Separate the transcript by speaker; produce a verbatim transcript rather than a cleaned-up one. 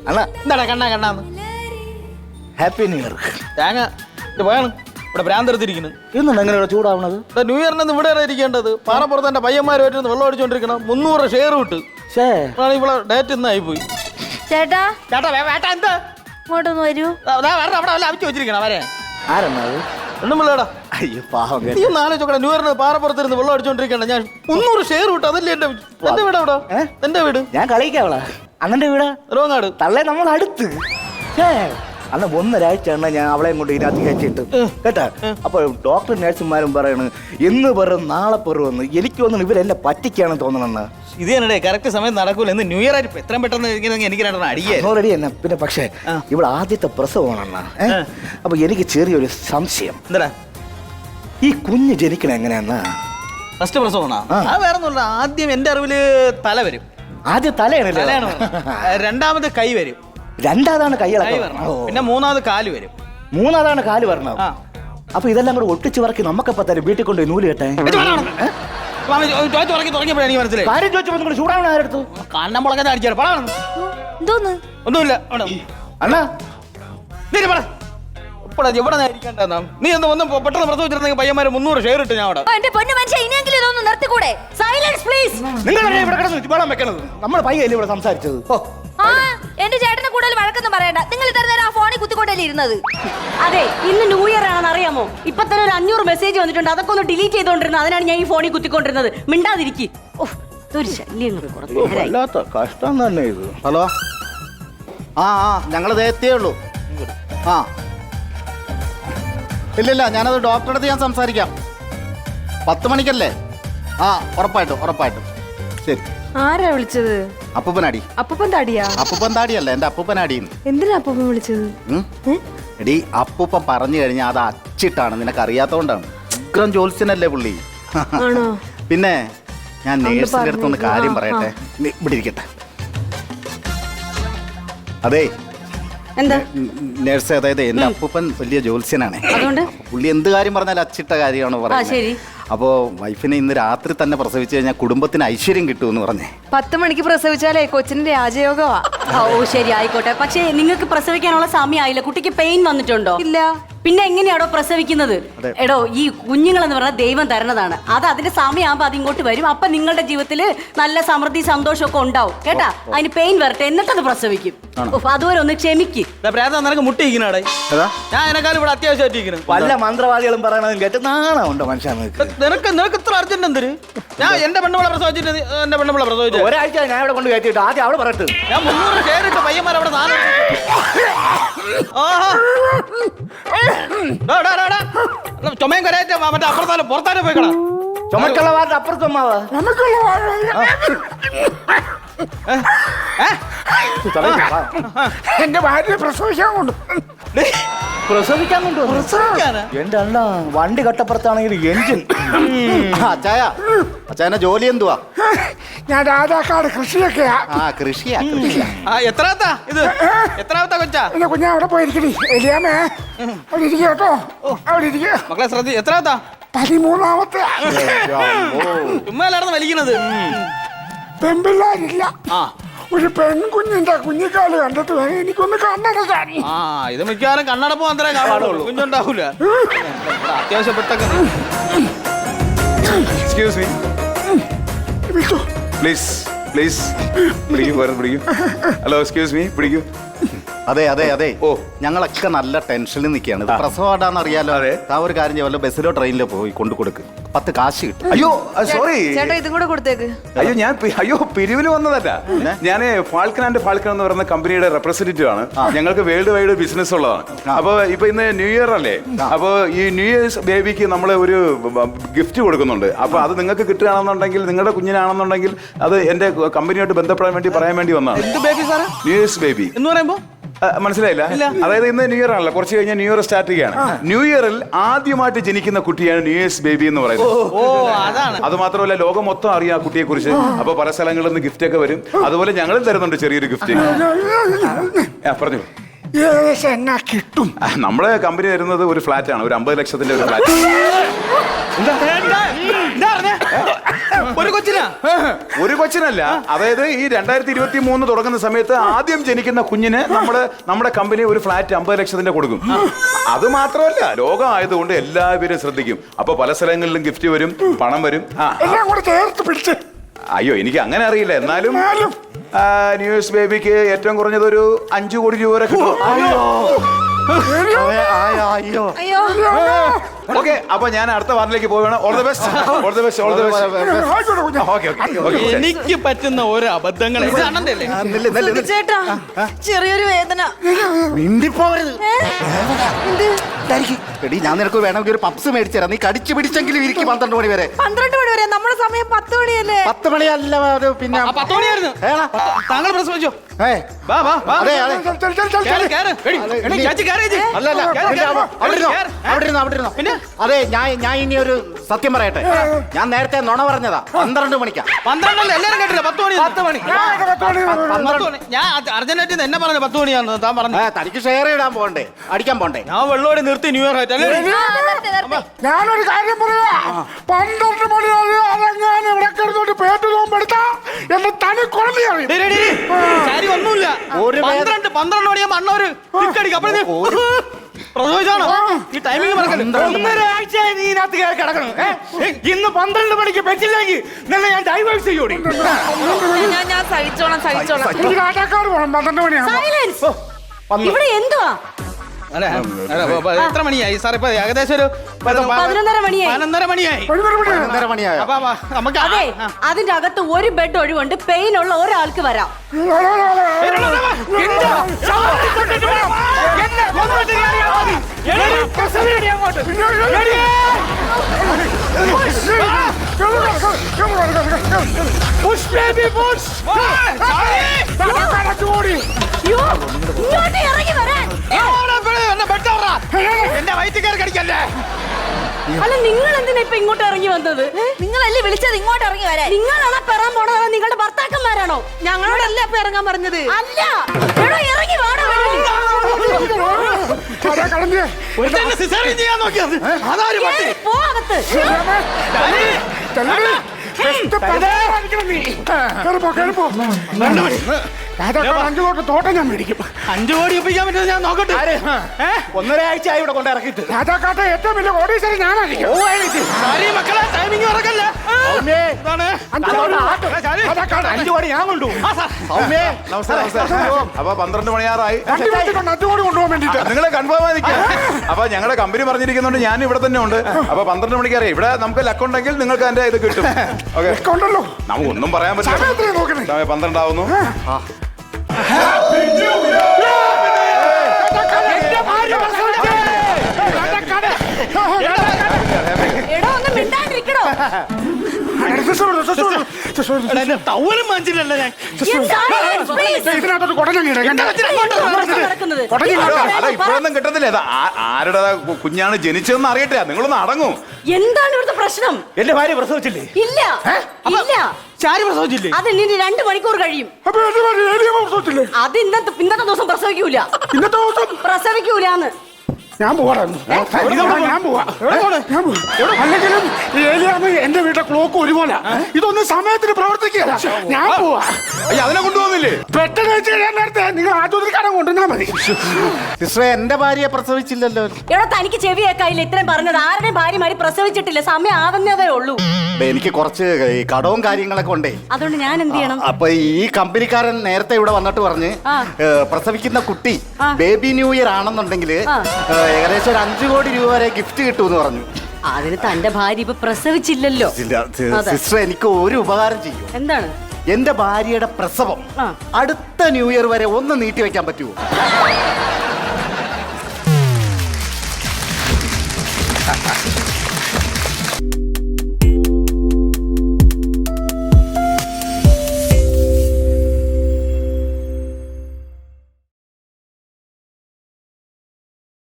Speaker 1: അണ്ണാ
Speaker 2: എന്താടാ കണ്ണാ കണ്ണാന്ന്
Speaker 1: ഹാപ്പി ന്യൂ ഇയർ.
Speaker 2: തേങ്ങ പോയാണ് ഇവിടെ ഭ്രാന്തെടുത്തിരിക്കുന്നു.
Speaker 1: ഇന്നുണ്ട് എങ്ങനെയാണ് ചൂടാവണത്?
Speaker 2: ന്യൂ ഇയറിന് ഇവിടെ ഇരിക്കേണ്ടത് പാറപ്പുറത്ത് എന്റെ പയ്യന്മാരുമായിട്ട് വെള്ളം അടിച്ചോണ്ടിരിക്കണം. മുന്നൂറ് ഷെയർ വിട്ട് ഇവിടെ ഡേറ്റ് ഇന്നായി പോയി.
Speaker 3: ചേട്ടാ
Speaker 2: ചേട്ടാ വേട്ടാ എന്താ
Speaker 3: ഇങ്ങോട്ടൊന്ന് വരൂ.
Speaker 2: അവിടെ വല്ല അവിച്ചു വെച്ചിരിക്കണം അവരെ.
Speaker 1: ആരെണ്ണത്?
Speaker 2: ഒന്നും പിള്ളേടാ.
Speaker 1: അയ്യോ പാവം.
Speaker 2: നീ ഒന്ന് ആലോചിച്ചോക്കട്ടെ, ന്യൂ ഇയറിന് പാറപ്പുറത്തിരുന്ന് വെള്ളം അടിച്ചോണ്ടിരിക്കണ്ട. ഞാൻ മുന്നൂറ് ഷെയർ വിട്ടു. അതല്ലേ എന്റെ എന്റെ വീട് അവിടെ. എന്റെ വീട്
Speaker 1: ഞാൻ കളിക്കാവളാ. അണ്ണന്റെ വീടാ
Speaker 2: റോങ്ങാട്.
Speaker 1: തള്ളേ നമ്മൾ അടുത്ത്. അന്ന് ഒന്നൊരാഴ്ച എണ്ണ ഞാൻ അവളെയും കൊണ്ട് ഇതിനകത്ത് കയറ്റിട്ട് കേട്ടാ. അപ്പൊ ഡോക്ടർ നഴ്സുമാരും പറയണ് ഇന്ന് പറയും നാളെ പറയുമെന്ന്. എനിക്ക് തോന്നുന്നു ഇവരെന്നെ പറ്റിക്കാണെന്ന് തോന്നണെന്ന്.
Speaker 2: ഇത് തന്നെ കറക്റ്റ് സമയം നടക്കൂല. ഇന്ന് ന്യൂ ഇയർ ആയിട്ട് എത്രയും പെട്ടെന്ന് എനിക്ക് രണ്ടെണ്ണം അടിയേ
Speaker 1: റെഡി തന്നെ. പിന്നെ പക്ഷേ ഇവിടെ ആദ്യത്തെ പ്രസവമാണെന്നാ. അപ്പൊ എനിക്ക് ചെറിയൊരു സംശയം.
Speaker 2: എന്താ
Speaker 1: ഈ കുഞ്ഞ് ജനിക്കണ എങ്ങനെയാന്നാ?
Speaker 2: ഫസ്റ്റ് പ്രസവമാണോ? അത് വേറെ ഒന്നുമില്ല. ആദ്യം എന്റെ അറിവില് തല വരും.
Speaker 1: ആദ്യം തലയാണ്.
Speaker 2: തലയാണ്. രണ്ടാമത് കൈ വരും.
Speaker 1: രണ്ടാമതാണ് കൈ.
Speaker 2: പിന്നെ മൂന്നാമത് കാല് വരും.
Speaker 1: മൂന്നാമതാണ് കാല് വരണം. അപ്പൊ ഇതെല്ലാം കൂടെ ഒട്ടിച്ചു പറക്കി നമുക്കപ്പോ തരും വീട്ടിൽ കൊണ്ട് നൂല് കെട്ടെ.
Speaker 2: തുടങ്ങിയപ്പോഴാണ് എനിക്ക് മനസ്സിലായി.
Speaker 1: കാര്യം ചോദിച്ചപ്പോ ചൂടാവണ ആരെടുത്തു?
Speaker 2: കണ്ണമ്പളൊക്കെ അടിച്ചാൽ പറയണം.
Speaker 3: എന്തോന്ന്?
Speaker 2: ഒന്നുമില്ല
Speaker 1: അണ്ണാ.
Speaker 2: എവിടെ ഇരിക്കേണ്ട നീ ഒന്ന് വന്ന് പെട്ടെന്ന് പ്രസവിച്ചിരുന്നെങ്കിൽ പയ്യന്മാരെ മുന്നൂറ് ഷെയർ ഇട്ട് ഞാൻ അവിടെ.
Speaker 3: എന്റെ പൊന്നു മനുഷ്യ ഇനിയെങ്കിലും ഇതൊന്ന് നിർത്തിക്കൂടെ? Silence please.
Speaker 1: നിങ്ങളല്ലേ ഇവിടെ കിടന്ന് വെള്ളം വെക്കണത്? നമ്മൾ പയ്യല്ലേ ഇവിടെ സംസാരിച്ചത്?
Speaker 3: ആ എന്റെ ചേട്ടനെ കൂടുതൽ വഴക്കൊന്നും പറയണ്ട. നിങ്ങൾ ഇത്ര നേരം ആ ഫോണിൽ കുത്തിക്കൊണ്ടല്ലേ ഇരുന്നത്?
Speaker 4: അതെ, ഇന്ന് ന്യൂ ഇയർ ആണെന്ന് അറിയാമോ? ഇപ്പൊ തന്നെ ഒരു അഞ്ഞൂറ് മെസ്സേജ് വന്നിട്ടുണ്ട്. അതൊക്കെ ഒന്ന് ഡിലീറ്റ് ചെയ്തോണ്ടിരുന്നത്. അതിനാണ് ഞാൻ ഈ ഫോണിൽ കുത്തിക്കൊണ്ടിരുന്നത്. മിണ്ടാതിരിക്കും. ഒരു ശല്യം.
Speaker 1: കഷ്ടം തന്നെ ഇത്.
Speaker 5: ഹലോ. ആ ആ ഞങ്ങൾ എത്തിയേ ഉള്ളൂ. ആ ഇല്ലില്ല, ഞാനത് ഡോക്ടറുടെ അടുത്ത് ഞാൻ സംസാരിക്കാം. പത്ത് മണിക്കല്ലേ? ആ ഉറപ്പായിട്ടും ഉറപ്പായിട്ടും. ശരി.
Speaker 6: ആരാ വിളിച്ചത്?
Speaker 5: അപ്പൂപ്പനാടി.
Speaker 6: അപ്പൂപ്പൻ താടിയാ?
Speaker 5: അപ്പൂപ്പൻ താടിയല്ല, എന്റെ അപ്പൂപ്പനാടിന്ന്.
Speaker 6: എന്തിനാ അപ്പൂപ്പൻ വിളിച്ചത്?
Speaker 5: എടി അപ്പൂപ്പൻ പറഞ്ഞു കഴിഞ്ഞാൽ അത് അച്ചിട്ടാണ്, നിനക്ക് അറിയാത്തോണ്ടാണ്. ഉഗ്രം ജോത്സ്യനല്ലേ പുള്ളി.
Speaker 6: ആണോ?
Speaker 5: പിന്നെ ഞാൻ നേഴ്സിന്റെ അടുത്തൊന്ന് കാര്യം പറയട്ടെ. ഇവിടെ ഇരിക്കട്ടെ. അതെ
Speaker 4: എന്താ
Speaker 5: നേഴ്സ്, അതായത് എന്റെ അപ്പൂപ്പൻ വലിയ ജോത്സ്യനാണ്.
Speaker 4: അതുകൊണ്ട്
Speaker 5: പുള്ളി എന്ത് കാര്യം പറഞ്ഞാലും അച്ചിട്ട കാര്യമാണ് പറയുന്നത്. അപ്പോ വൈഫിനെ ഇന്ന് രാത്രി തന്നെ പ്രസവിച്ചു കഴിഞ്ഞാൽ കുടുംബത്തിന് ഐശ്വര്യം കിട്ടുമെന്ന് പറഞ്ഞേ.
Speaker 6: പത്ത് മണിക്ക് പ്രസവിച്ചാലേ കൊച്ചിന്റെ രാജയോഗമാ.
Speaker 4: ഓ ശരി, ആയിക്കോട്ടെ. പക്ഷേ നിങ്ങൾക്ക് പ്രസവിക്കാനുള്ള സമയമായില്ല. കുട്ടിക്ക് പെയിൻ വന്നിട്ടുണ്ടോ?
Speaker 6: ഇല്ല.
Speaker 4: പിന്നെ എങ്ങനെയാണോ പ്രസവിക്കുന്നത്? എടോ, ഈ കുഞ്ഞുങ്ങളെന്ന് പറഞ്ഞാൽ ദൈവം തരുന്നതാണ്. അത് അതിന്റെ സമയമാകുമ്പോൾ അത് ഇങ്ങോട്ട് വരും. അപ്പൊ നിങ്ങളുടെ ജീവിതത്തിൽ നല്ല സമൃദ്ധി സന്തോഷമൊക്കെ ഉണ്ടാവും കേട്ടാ. അതിന് പെയിൻ വരട്ടെ, എന്നിട്ടത് പ്രസവിക്കും. അതുവരെ ഒന്ന് ക്ഷമിക്ക്.
Speaker 2: നിനക്ക് മുട്ടിയിരിക്കണേ. ഞാൻ എന്നെക്കാളും ഇവിടെ അത്യാവശ്യമായിട്ടിരിക്കുന്നു.
Speaker 1: വല്ല മന്ത്രവാദികളും പറയണതും കേട്ട് നാണമുണ്ടോ മനുഷ്യൻ?
Speaker 2: നിനക്ക് നിനക്ക് ഇത്ര അർജന്റ് എന്തിന്? ഞാൻ എന്റെ പെണ്ണുപിള്ള പ്രസവിച്ചിട്ട് എന്റെ പെണ്ണുപിള്ള പ്രസവിച്ചു
Speaker 1: ഒരാഴ്ച ഞാൻ ഇവിടെ കൊണ്ട് കയറ്റിട്ട് ആദ്യം അവള് പറയട്ടെ.
Speaker 2: ഞാൻ മുന്നൂറ് ഷെയറിട്ട് പയ്യന്മാർ അവിടെ നാല് ചുമയും കരയറ്റ മറ്റേ അപ്പുറത്താലും പുറത്താലും പോയിക്കണ.
Speaker 1: ചുമക്കുള്ള വാർത്ത അപ്പുറത്തുമ്മാവാ.
Speaker 7: എന്റെ ഭാര്യ പ്രസവിക്കാൻ കൊണ്ട്
Speaker 1: പ്രസവിക്കാൻ കൊണ്ടു. എന്റെ അണ്ണ വണ്ടി കട്ടപ്പുറത്താണെങ്കിൽ എഞ്ചിൻ.
Speaker 5: അച്ചായ, അച്ചായന്റെ ജോലി എന്തുവാ?
Speaker 7: ഞാൻ രാജാക്കാട് കൃഷിയൊക്കെയാ.
Speaker 5: ആ കൃഷിയാ കൃഷിയാ.
Speaker 2: എത്രാമത്താ ഇത്? എത്രാമത്താ കൊച്ചാ?
Speaker 7: എന്റെ കുഞ്ഞാ അവിടെ പോയിരിക്കണി. എലിയാമേ അവിടെ ഇരിക്കുക കേട്ടോ. അവിടെ ഇരിക്കുക
Speaker 2: മക്കളെ. ശ്രദ്ധ. എത്രാമത്താ?
Speaker 7: പതിമൂന്നാമത്തെ.
Speaker 2: ചുമ്മാ എല്ലായിരുന്നു വലിക്കുന്നത്.
Speaker 7: പെൺപിള്ളാരില്ല. ഒരു പെൺകുഞ്ഞിന്റെ കുഞ്ഞിക്കാല് കണ്ടിട്ട് വേണം എനിക്കൊന്ന് കണ്ണടക്കാൻ.
Speaker 2: ആ ഇത് മിക്കവാറും കണ്ണടപ്പ് മാത്രമേ കാണുള്ളൂ, കുഞ്ഞുണ്ടാവൂല. അത്യാവശ്യപ്പെട്ടൊക്കെ.
Speaker 8: എക്സ്ക്യൂസ് മീ പ്ലീസ് പ്ലീസ് പിടിക്കൂ, പോരാ പിടിക്കൂ. ഹലോ എക്സ്ക്യൂസ് മീ, പിടിക്കൂ.
Speaker 5: അതെ അതെ അതെ.
Speaker 8: ഓ
Speaker 5: ഞങ്ങളൊക്കെ നല്ല ടെൻഷനിൽ നിൽക്കുകയാണ്. പ്രസവമാണെന്ന് അറിയാലോ. ആ ഒരു കാര്യം ചെയ്യാമല്ലോ, ബസ്സിലോ ട്രെയിനിലോ പോയി കൊണ്ടു കൊടുക്ക്. പത്ത് കാശ് കിട്ടും.
Speaker 8: അയ്യോ സോറി
Speaker 6: ചേട്ടാ, ഇതും കൂടെ കൊടുത്തേക്ക്.
Speaker 8: അയ്യോ ഞാൻ അയ്യോ പിരിവിന് വന്നതല്ല. ഞാൻ ഫാൽക്കൺ ആൻഡ് ഫാൽക്കൺ എന്ന് പറയുന്ന കമ്പനിയുടെ റെപ്രസെന്റേറ്റീവ് ആണ്. ഞങ്ങൾക്ക് വേൾഡ് വൈഡ് ബിസിനസ് ഉള്ളതാണ്. അപ്പൊ ഇപ്പൊ ഇന്ന് ന്യൂ ഇയർ അല്ലേ? അപ്പൊ ഈ ന്യൂ ഇയേഴ്സ് ബേബിക്ക് നമ്മൾ ഒരു ഗിഫ്റ്റ് കൊടുക്കുന്നുണ്ട്. അപ്പൊ അത് നിങ്ങൾക്ക് കിട്ടുകയാണെന്നുണ്ടെങ്കിൽ, നിങ്ങളുടെ കുഞ്ഞിനാണെന്നുണ്ടെങ്കിൽ അത് എന്റെ കമ്പനിയായിട്ട് ബന്ധപ്പെടാൻ വേണ്ടി പറയാൻ വേണ്ടി വന്നതാണ്. ന്യൂ ഇയേഴ്സ് ബേബി എന്ന് പറയുമ്പോ മനസ്സിലായില്ല? അതായത് ഇന്ന് ന്യൂ ഇയർ ആണല്ലോ, കുറച്ച് കഴിഞ്ഞാൽ ന്യൂ ഇയർ സ്റ്റാർട്ട് ചെയ്യാണ്. ന്യൂ ഇയറിൽ ആദ്യമായിട്ട് ജനിക്കുന്ന കുട്ടിയാണ് ന്യൂ ഇയേഴ്സ് ബേബി എന്ന് പറയുന്നത്. അത് മാത്രമല്ല, ലോകം മൊത്തം അറിയാം ആ കുട്ടിയെ കുറിച്ച്. അപ്പൊ പല സ്ഥലങ്ങളിൽ നിന്ന് ഗിഫ്റ്റ് ഒക്കെ വരും. അതുപോലെ ഞങ്ങളും തരുന്നുണ്ട് ചെറിയൊരു ഗിഫ്റ്റ്. പറഞ്ഞു.
Speaker 7: ഏകദേശം എന്നാ കിട്ടും?
Speaker 8: നമ്മുടെ കമ്പനി തരുന്നത് ഒരു ഫ്ലാറ്റ് ആണ്, ഒരു അമ്പത് ലക്ഷത്തിന്റെ ഒരു ഫ്ലാറ്റ്.
Speaker 2: ഒരു കൊച്ചിനാ
Speaker 8: ഒരു കൊച്ചിനല്ല, അതായത് ഈ രണ്ടായിരത്തി ഇരുപത്തി മൂന്ന് തുടങ്ങുന്ന സമയത്ത് ആദ്യം ജനിക്കുന്ന കുഞ്ഞിന് നമ്മള് നമ്മുടെ കമ്പനി ഒരു ഫ്ലാറ്റ് അമ്പത് ലക്ഷത്തിന്റെ കൊടുക്കും. അത് മാത്രമല്ല, ലോകം ആയതുകൊണ്ട് എല്ലാവരും ശ്രദ്ധിക്കും. അപ്പൊ പല സ്ഥലങ്ങളിലും ഗിഫ്റ്റ് വരും, പണം വരും. ആ
Speaker 7: എല്ലാം കൂടെ ചേർത്ത് പിടിച്ച്.
Speaker 8: അയ്യോ, എനിക്ക് അങ്ങനെ അറിയില്ല. എന്നാലും ന്യൂ ഇയേഴ്സ് ബേബിക്ക് ഏറ്റവും കുറഞ്ഞത് ഒരു അഞ്ചു കോടി രൂപ വരെ കിട്ടും.
Speaker 1: അയ്യോ
Speaker 6: അയ്യോ
Speaker 8: ഓക്കെ, അപ്പൊ ഞാൻ അടുത്ത വാർഡിലേക്ക് പോവുകയാണ്. All the best, all the best, all the best.
Speaker 7: ആയിക്കോട്ടെ കുഞ്ഞാ.
Speaker 8: Okay okay.
Speaker 2: എനിക്ക് പറ്റുന്ന ഓരോ അബദ്ധങ്ങൾ ഇത് അണ്ണന്റെ
Speaker 6: ചേട്ടാ ചെറിയൊരു വേദന.
Speaker 1: മിണ്ടിപ്പോവരുത്. എടി, ഞാൻ നിനക്ക് വേണമെങ്കിൽ ഒരു പപ്സ് മേടിച്ചു തരാം. നീ കടിച്ചു പിടിച്ചെങ്കിലും ഇരിക്കും പന്ത്രണ്ട് മണി വരെ.
Speaker 6: പന്ത്രണ്ട് മണി വരെ നമ്മുടെ സമയം പത്ത് മണിയല്ലേ?
Speaker 1: പത്ത് മണിയല്ല, ഒരു പിന്നെ
Speaker 2: പത്ത് മണിയായിരുന്നു.
Speaker 1: ഏടാ?
Speaker 2: താങ്കൾ പ്രസവിച്ചോ?
Speaker 1: ഏ,
Speaker 2: വാ വാ വാ.
Speaker 1: അതെ അതെ.
Speaker 7: ചെൽ, ചെൽ, ചെൽ, ചെൽ,
Speaker 2: കേറ്,
Speaker 7: ചെൽ.
Speaker 2: കേറ്. എടി, എടി, ചേച്ചി കേറ് ചേച്ചി.
Speaker 1: അല്ല അല്ല,
Speaker 2: കേറ്,
Speaker 1: അവിടെ
Speaker 2: കേറ്.
Speaker 1: അവിടെ ഇരുന്നോ,
Speaker 2: കേറ്.
Speaker 1: അവിടെ ഇരുന്നോ, അവിടെ ഇരുന്നോ.
Speaker 2: പിന്നെ?
Speaker 1: അതെ, ഞാൻ ഞാൻ ഇനി ഒരു സത്യം പറയട്ടെ. ഞാൻ നേരത്തെ നുണ പറഞ്ഞതാ. പന്ത്രണ്ട് മണിക്കാ.
Speaker 2: പന്ത്രണ്ടല്ല, എല്ലാരും കേട്ടില്ല. പത്ത് മണി പത്ത് മണി
Speaker 7: ഞാൻ ഇത് പത്ത് മണി വരെ.
Speaker 2: പത്ത് മണി. ഞാൻ അർജന്റീന എന്നെ പറഞ്ഞു പത്ത് മണിയാന്ന് താൻ പറഞ്ഞു.
Speaker 1: ഏ, തനിക്ക് ഷെയർ ഇടാൻ പോകണ്ടേ, അടിക്കാൻ പോണ്ടേ?
Speaker 2: ഞാൻ വെള്ളോടി നിർത്തി ന്യൂ ഇയർ ആയിട്ട് അല്ലേ?
Speaker 7: ഞാനൊരു കാര്യം പറയാ. പന്ത്രണ്ട് മണി വരെ അതെങ്ങാനും ഇവിടെ കിടന്നോട്ട് പേറ്റ് നോമ്പെടുത്താ എന്റെ തനി കുഴമ്പയാണ്.
Speaker 2: ഡേയ്, ഡേയ്, ഡേയ്. കാര്യം ഒന്നുമില്ല.
Speaker 1: ഒരു വേ-
Speaker 2: പന്ത്രണ്ട് പന്ത്രണ്ട് മണിയാകുമ്പോ അണ്ണ ഒരു ടിക്കടിക്കും. അപ്പഴേ പ്രസവിച്ചാണോ ഈ ടൈമിംഗ് മറക്കല്ലേ?
Speaker 1: ഒന്നര ആഴ്ചയായി നീ ഇതിനകത്ത് കയറി കിടക്കണം. ഏ? ഇന്ന് പന്ത്രണ്ട് മണിക്ക് പറ്റില്ലെങ്കിൽ നിന്നെ ഞാൻ ഡൈവേഴ്സ് ചെയ്യൂടി.
Speaker 6: ഞാൻ ഞാൻ സഹിച്ചോളാം സഹിച്ചോളാം.
Speaker 7: എനിക്ക് കാട്ടാക്കാട് പോകണം. പന്ത്രണ്ട് മണിയാണ്.
Speaker 4: സൈലൻസ്. ഇവിടെ എന്തുവാ?
Speaker 2: അല്ല, അല്ല, ഇപ്പൊ- ഇപ്പൊ എത്ര മണിയായി സാർ? ഇപ്പൊ ഏകദേശം ഒരു പതിനൊ-
Speaker 4: പതിനൊന്നര മണിയായി.
Speaker 2: പതിനൊന്നര മണിയായി.
Speaker 7: പതിനൊന്ന് മണിയാണ്.
Speaker 1: ഒന്നര മണിയായോ?
Speaker 2: അപ്പൊ അപ്പൊ നമുക്ക് ആ-
Speaker 4: അതെ,
Speaker 2: ആ.
Speaker 4: അതിന്റെ അകത്ത് ഒരു ബെഡ് ഒഴിവുണ്ട്. പെയിൻ ഉള്ള ഒരാൾക്ക് വരാം. അയ്യോ, ഇങ്ങോട്ട് ഇറങ്ങി വരാൻ.
Speaker 2: എന്നെ പെട്ടവറാ. എന്റെ വയറ്റിൽ കയറി കടിക്കല്ലേ?
Speaker 4: അല്ല, നിങ്ങൾ എന്തിനാ ഇപ്പൊ ഇങ്ങോട്ട് ഇറങ്ങി വന്നത്?
Speaker 3: നിങ്ങളല്ലേ വിളിച്ചത് ഇങ്ങോട്ട് ഇറങ്ങി വരാൻ?
Speaker 4: നിങ്ങളാണോ പെറാൻ പോണത്? നിങ്ങളുടെ ഭർത്താക്കന്മാരാണോ?
Speaker 6: ഞങ്ങളോടല്ലേ അപ്പൊ ഇറങ്ങാൻ പറഞ്ഞത്?
Speaker 4: അല്ല, എടോ, ഇറങ്ങി വാടാ വെളിയിൽ.
Speaker 2: ഒരുത്തന്നെ സിസേറിയൻ ചെയ്യാൻ നോക്കിയത്. അതാര് പറ്റി?
Speaker 4: കേറി പോ അകത്ത്.
Speaker 7: അഞ്ചു തൊട്ട് തോട്ടം ഞാൻ മേടിക്കും.
Speaker 2: അഞ്ചു കോടി ഒപ്പിക്കാൻ പറ്റുന്നത് ഞാൻ നോക്കട്ടെ. ഏ?
Speaker 1: ഒന്നര ആഴ്ചയായി ഇവിടെ കൊണ്ട് ഇറക്കിയിട്ട്.
Speaker 7: രാജാക്കാട്ടെ ഏറ്റവും വലിയ കോടീശ്വരൻ ഞാനായിരിക്കും.
Speaker 2: സാരി മക്കളെ, ടൈമിംഗ് മറക്കല്ലേ? ഇതാണ്.
Speaker 7: അഞ്ചു കോടി ആട്ട്. രാജാക്കാട്ടെ
Speaker 1: അഞ്ചു കോടി ഞാൻ കൊണ്ടുപോകും.
Speaker 2: ആ, സാർ.
Speaker 1: സൗമ്യേ,
Speaker 8: നമസ്കാരം, നമസ്കാരം. അപ്പൊ പന്ത്രണ്ട് മണിയാറായി.
Speaker 7: വണ്ടി വെച്ചിട്ടുണ്ട് അഞ്ചു കോടി കൊണ്ടുപോകാൻ വേണ്ടിട്ട്.
Speaker 8: നിങ്ങളെ കൺഫേം ആയി നിൽക്കുക. അപ്പൊ ഞങ്ങളുടെ കമ്പനി പറഞ്ഞിരിക്കുന്നുണ്ട് ഞാൻ ഇവിടെ തന്നെ ഉണ്ട്. അപ്പൊ പന്ത്രണ്ട് മണിക്ക് അറിയാം. ഇവിടെ നമുക്ക് ലക്ക് ഉണ്ടെങ്കിൽ നിങ്ങൾക്ക് അതിന്റെ ഇത് കിട്ടും. ഓക്കെ,
Speaker 7: ഉണ്ടല്ലോ.
Speaker 8: നമുക്ക് ഒന്നും പറയാൻ
Speaker 7: സമയം
Speaker 8: പറ്റില്ല.
Speaker 7: എത്രയാ നോക്കണേ?
Speaker 8: സമയം പന്ത്രണ്ടാവുന്നു.
Speaker 4: എടോ, ഒന്ന് മിണ്ടാണ്ടിരിക്കണോ?
Speaker 2: എടാ, എന്നെ ടവലും വാങ്ങിച്ചില്ലല്ലോ ഞാൻ.
Speaker 7: ഇതിനകത്തോട്ട് കുടഞ്ഞിട
Speaker 4: നടക്കുന്നത്.
Speaker 8: ഹലോ, അല്ല ഇപ്പോഴൊന്നും കിട്ടത്തില്ല. ഇത് ആ- ആരുടെ കു- കുഞ്ഞാണ് ജനിച്ചതെന്ന് അറിയട്ടെ. നിങ്ങളൊന്ന് അടങ്ങൂ.
Speaker 4: എന്താണ് ഇവിടുത്തെ പ്രശ്നം?
Speaker 1: എന്റെ ഭാര്യ പ്രസവിച്ചില്ലേ?
Speaker 4: ഇല്ല, ഇല്ല.
Speaker 2: ചാരി പ്രസവിച്ചില്ലേ?
Speaker 4: അത് ഇനി രണ്ടു മണിക്കൂർ കഴിയും.
Speaker 7: അപ്പൊ എന്റെ പേര് ഏലിയ പ്രസവിച്ചില്ലേ?
Speaker 4: അത് ഇന്നത്തെ ഇന്നത്തെ ദിവസം പ്രസവിക്കൂല.
Speaker 7: ഇന്നത്തെ ദിവസം
Speaker 4: പ്രസവിക്കൂലാന്ന്.
Speaker 7: ഞാൻ പോവാറായിരുന്നു. ഞാൻ പോവാ ഞാൻ പോവാ. അല്ലെങ്കിലും ഈ ഏലിയാമ്മ എന്റെ വീട്ടിലെ ക്ലോക്ക് ഒരുപോലെ ഇതൊന്നും സമയത്തിന് പ്രവർത്തിക്കുക. ഞാൻ പോവാ.
Speaker 8: അയ്യ, അതിനെ കൊണ്ടുപോകുന്നില്ലേ?
Speaker 7: പെട്ടെന്ന് വെച്ച് കഴിയാൻ നേരത്തെ നിങ്ങൾ ആശുപത്രിക്കാരൻ കൊണ്ടുവന്നാൽ മതി.
Speaker 1: സിസ്റ്ററെ, എന്റെ ഭാര്യയെ പ്രസവിച്ചില്ലല്ലോ.
Speaker 4: എടോ, തനിക്ക് ചെവി കേൾക്കായില്ല. ഇത്രയും പറഞ്ഞത് ആരുടെയും ഭാര്യമാര് പ്രസവിച്ചിട്ടില്ല. സമയം ആവുന്നതേ ഉള്ളൂ.
Speaker 1: ദേ, എനിക്ക് കുറച്ച് ഈ കടവും കാര്യങ്ങളൊക്കെ ഉണ്ടേ.
Speaker 4: അതുകൊണ്ട് ഞാൻ എന്ത് ചെയ്യണം?
Speaker 1: അപ്പൊ ഈ കമ്പനിക്കാരൻ നേരത്തെ ഇവിടെ വന്നിട്ട് പറഞ്ഞ്
Speaker 4: ആ.
Speaker 1: ഏ, പ്രസവിക്കുന്ന കുട്ടി
Speaker 4: ആ.
Speaker 1: ബേബി ന്യൂ ഇയർ ആണെന്നുണ്ടെങ്കിൽ
Speaker 4: ആ.
Speaker 1: ഏകദേശം ഒരു അഞ്ചു കോടി രൂപ വരെ ഗിഫ്റ്റ് കിട്ടുമെന്ന് പറഞ്ഞു.
Speaker 4: അതിന് തന്റെ ഭാര്യ ഇപ്പൊ പ്രസവിച്ചില്ലല്ലോ.
Speaker 1: ഇല്ല, സി-
Speaker 4: അതെ.
Speaker 1: സിസ്റ്റർ എനിക്ക് ഒരു ഉപകാരം ചെയ്യും.
Speaker 4: എന്താണ്?
Speaker 1: എന്റെ ഭാര്യയുടെ പ്രസവം
Speaker 4: ആ.
Speaker 1: അടുത്ത ന്യൂ ഇയർ വരെ ഒന്ന് നീട്ടി വെക്കാൻ പറ്റുമോ?